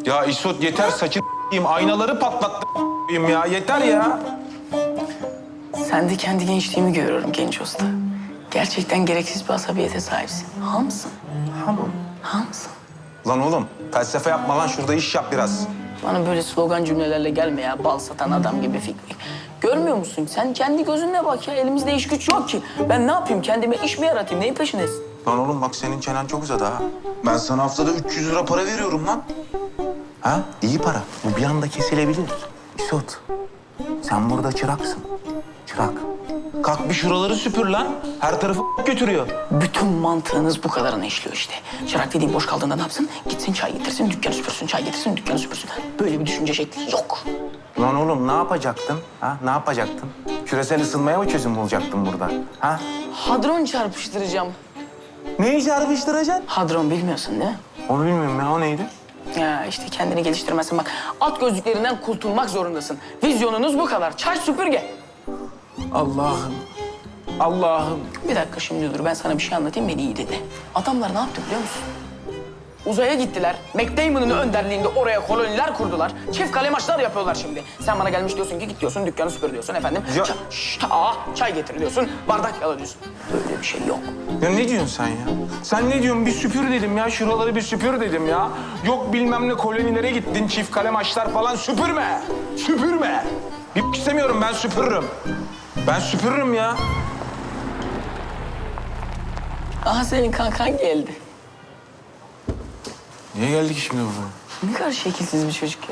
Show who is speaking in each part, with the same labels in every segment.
Speaker 1: Ya İsot yeter saçın aynaları patlattım ya yeter ya.
Speaker 2: Sen de kendi gençliğimi görüyorum genç usta. Gerçekten gereksiz bir asabiyete sahipsin. Hamsın. Hamsın.
Speaker 1: Lan oğlum felsefe yapma lan şurada iş yap biraz.
Speaker 2: Bana böyle slogan cümlelerle gelme ya. Bal satan adam gibi Fikri. Görmüyor musun? Sen kendi gözünle bak ya. Elimizde iş güç yok ki. Ben ne yapayım? Kendime iş mi yaratayım? Neyin peşindesin?
Speaker 1: Lan oğlum bak senin çenen çok uzadı ha. Ben sana haftada 300 lira para veriyorum lan. Ha? İyi para. Bu bir anda kesilebilir. İsot, sen burada çıraksın. Çırak. Kalk bir şuraları süpür lan. Her tarafı götürüyor.
Speaker 2: Bütün mantığınız bu kadarına işliyor işte. Çırak dediğin boş kaldığında ne yapsın? Gitsin çay getirsin, dükkanı süpürsün. Çay getirsin, dükkanı süpürsün. Böyle bir düşünce şekli yok.
Speaker 1: Lan oğlum ne yapacaktın? Ha? Ne yapacaktın? Küresel ısınmaya mı çözüm bulacaktın burada? Ha?
Speaker 2: Hadron çarpıştıracağım.
Speaker 1: Neyi çarpıştıracaksın?
Speaker 2: Hadron bilmiyorsun değil mi?
Speaker 1: Onu bilmiyorum ya. O neydi?
Speaker 2: Ya işte kendini geliştirmezsin. Bak at gözlüklerinden kurtulmak zorundasın. Vizyonunuz bu kadar. Çay süpürge.
Speaker 1: Allah'ım. Allah'ım.
Speaker 2: Bir dakika şimdi dur ben sana bir şey anlatayım beni iyi dinle. Adamlar ne yaptı biliyor musun? Uzaya gittiler. Matt Damon'ın önderliğinde oraya koloniler kurdular. Çift kale maçlar yapıyorlar şimdi. Sen bana gelmiş diyorsun ki git diyorsun dükkanı süpür diyorsun efendim.
Speaker 1: Ya-
Speaker 2: Çay getir diyorsun. Bardak yala diyorsun. Böyle bir şey yok.
Speaker 1: Ya ne diyorsun sen ya? Sen ne diyorsun? Bir süpür dedim ya. Şuraları bir süpür dedim ya. Yok bilmem ne kolonilere gittin. Çift kale maçlar falan. Süpürme. Süpürme. Bir istemiyorum. Ben süpürürüm. Ben süpürürüm ya.
Speaker 2: Aha senin kankan geldi.
Speaker 1: Niye geldik şimdi buraya?
Speaker 2: Ne kadar şekilsiz bir çocuk ya.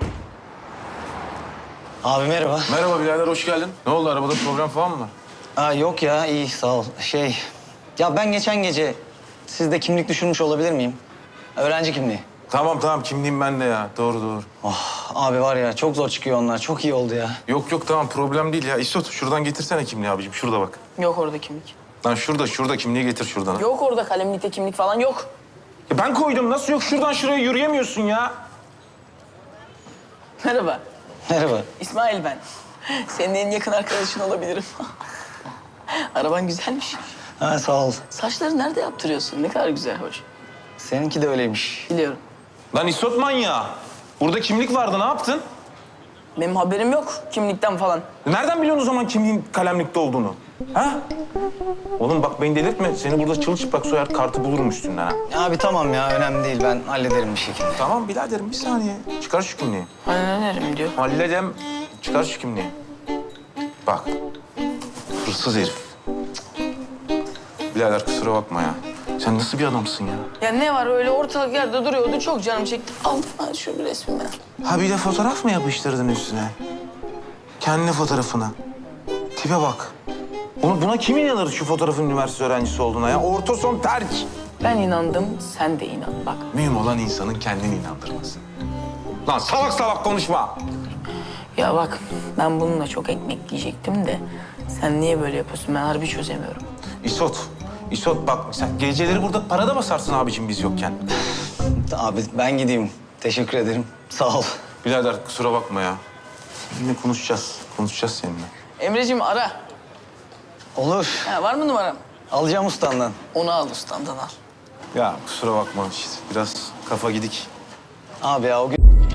Speaker 3: Abi merhaba.
Speaker 1: Merhaba birader, hoş geldin. Ne oldu? Arabada program falan mı var?
Speaker 3: Aa, yok ya, iyi sağ ol. Ya ben geçen gece sizde kimlik düşürmüş olabilir miyim? Öğrenci kimliği.
Speaker 1: Tamam. Kimliğim bende ya. Doğru.
Speaker 3: Oh, abi var ya çok zor çıkıyor onlar. Çok iyi oldu ya.
Speaker 1: Yok tamam problem değil ya. İsot şuradan getirsene kimliği abicim. Şurada bak.
Speaker 2: Yok orada kimlik.
Speaker 1: Lan şurada kimliği getir şuradan.
Speaker 2: Yok orada kalemlikte kimlik falan yok.
Speaker 1: Ya ben koydum. Nasıl yok? Şuradan şuraya yürüyemiyorsun ya.
Speaker 2: Merhaba.
Speaker 3: Merhaba.
Speaker 2: İsmail ben. Senin en yakın arkadaşın olabilirim. Araban güzelmiş.
Speaker 3: Ha, sağ ol.
Speaker 2: Saçları nerede yaptırıyorsun? Ne kadar güzel, hoş.
Speaker 3: Seninki de öyleymiş.
Speaker 2: Biliyorum.
Speaker 1: Lan İsot manyağı. Burada kimlik vardı. Ne yaptın?
Speaker 2: Benim haberim yok kimlikten falan.
Speaker 1: Nereden biliyorsun o zaman kimliğin kalemlikte olduğunu? Ha? Oğlum bak beni delirtme. Seni burada çılçıplak soyar kartı bulurum üstünden ha.
Speaker 3: Abi tamam ya, önemli değil. Ben hallederim bir şekilde.
Speaker 1: Tamam biraderim bir saniye. Çıkar şu kimliği.
Speaker 2: Hallederim diyor.
Speaker 1: Halledem. Çıkar şu kimliği. Bak. Hırsız herif. Birader kusura bakma ya. Sen nasıl bir adamsın ya?
Speaker 2: Ya ne var öyle ortalık yerde duruyordu çok canım çekti. Al şu bir resmimi.
Speaker 1: Ha bir de fotoğraf mı yapıştırdın üstüne? Kendi fotoğrafına. Tipe bak. Buna kim inanır şu fotoğrafın üniversite öğrencisi olduğuna ya? Orta son terk.
Speaker 2: Ben inandım sen de inan bak.
Speaker 1: Mühim olan insanın kendini inandırması. Lan salak konuşma.
Speaker 2: Ya bak ben bununla çok ekmek yiyecektim de sen niye böyle yapıyorsun ben harbi çözemiyorum.
Speaker 1: İsot bak sen geceleri burada para da basarsın abicim biz yokken.
Speaker 3: Abi ben gideyim. Teşekkür ederim. Sağ ol.
Speaker 1: Birader kusura bakma ya. Seninle konuşacağız seninle.
Speaker 2: Emreciğim ara.
Speaker 3: Olur.
Speaker 2: Ha, var mı numaram?
Speaker 3: Alacağım ustandan.
Speaker 2: Onu al ustandan al.
Speaker 1: Ya kusura bakma işte biraz kafa gidik.
Speaker 3: Abi ya o gün